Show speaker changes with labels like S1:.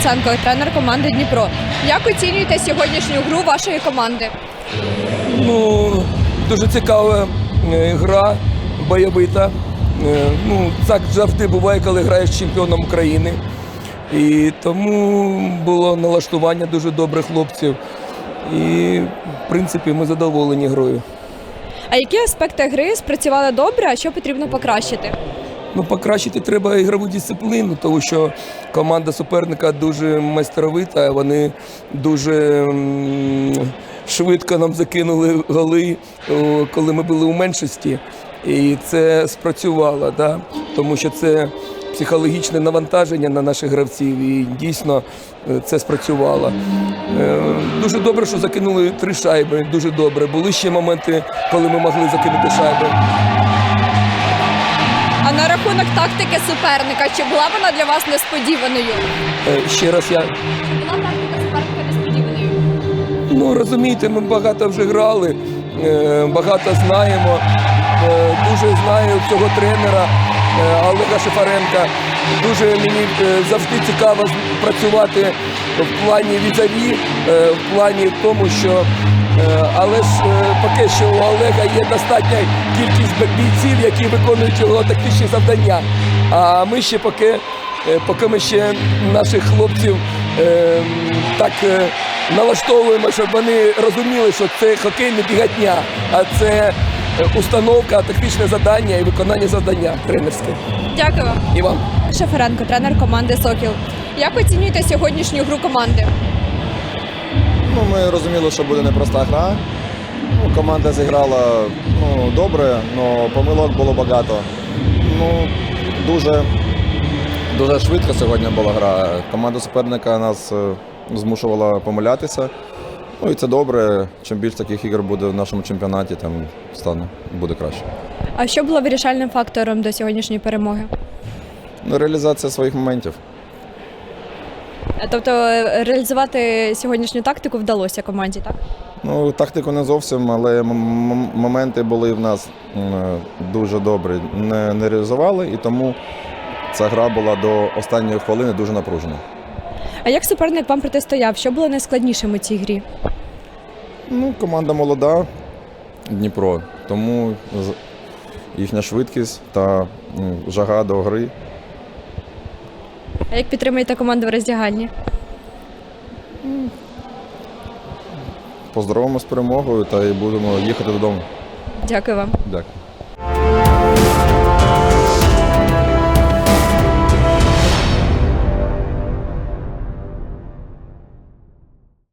S1: Порошенко, тренер команди Дніпро. Як оцінюєте сьогоднішню гру вашої команди?
S2: Дуже цікава гра, бойовита. Так завжди буває, коли граєш з чемпіоном України. І тому було налаштування дуже добре хлопців. І, в принципі, ми задоволені грою.
S1: А які аспекти гри спрацювали добре, а що потрібно покращити?
S2: Покращити треба ігрову дисципліну, тому що команда суперника дуже майстровита, вони дуже швидко нам закинули голи, коли ми були у меншості. І це спрацювало, да? Тому що це психологічне навантаження на наших гравців, і дійсно це спрацювало. Дуже добре, що закинули 3 шайби, дуже добре. Були ще моменти, коли ми могли закинути шайби.
S1: А на рахунок тактики суперника, чи була вона для вас несподіваною?
S2: Ще раз я...
S1: Чи була тактика суперника несподіваною?
S2: Розумієте, ми багато вже грали, багато знаємо. Дуже знаю цього тренера Олега Шефаренка. Дуже мені завжди цікаво працювати в плані візаві, в плані тому, що але ж поки що у Олега є достатня кількість бійців, які виконують його тактичні завдання. А ми ще поки ми ще наших хлопців так налаштовуємо, щоб вони розуміли, що це хокей не бігатня, а це установка, тактичне завдання і виконання завдання тренерське.
S1: Дякую вам.
S2: І вам.
S1: Шеференко, тренер команди «Сокіл». Як оцінюєте сьогоднішню гру команди?
S3: Ми розуміли, що буде непроста гра. Команда зіграла добре, але помилок було багато. Дуже швидко сьогодні була гра. Команда суперника нас змушувала помилятися. І це добре. Чим більше таких ігор буде в нашому чемпіонаті, тим буде краще.
S1: А що було вирішальним фактором до сьогоднішньої перемоги?
S3: Реалізація своїх моментів.
S1: Тобто реалізувати сьогоднішню тактику вдалося команді, так?
S3: Тактику не зовсім, але моменти були в нас дуже добрі. Не реалізували, і тому ця гра була до останньої хвилини дуже напружена.
S1: А як суперник вам протистояв? Що було найскладнішим у цій грі?
S3: Команда молода, Дніпро, тому їхня швидкість та жага до гри.
S1: А як підтримуєте команду в роздягальні?
S3: Поздоровимо з перемогою та й будемо їхати додому.
S1: Дякую вам.
S3: Дякую.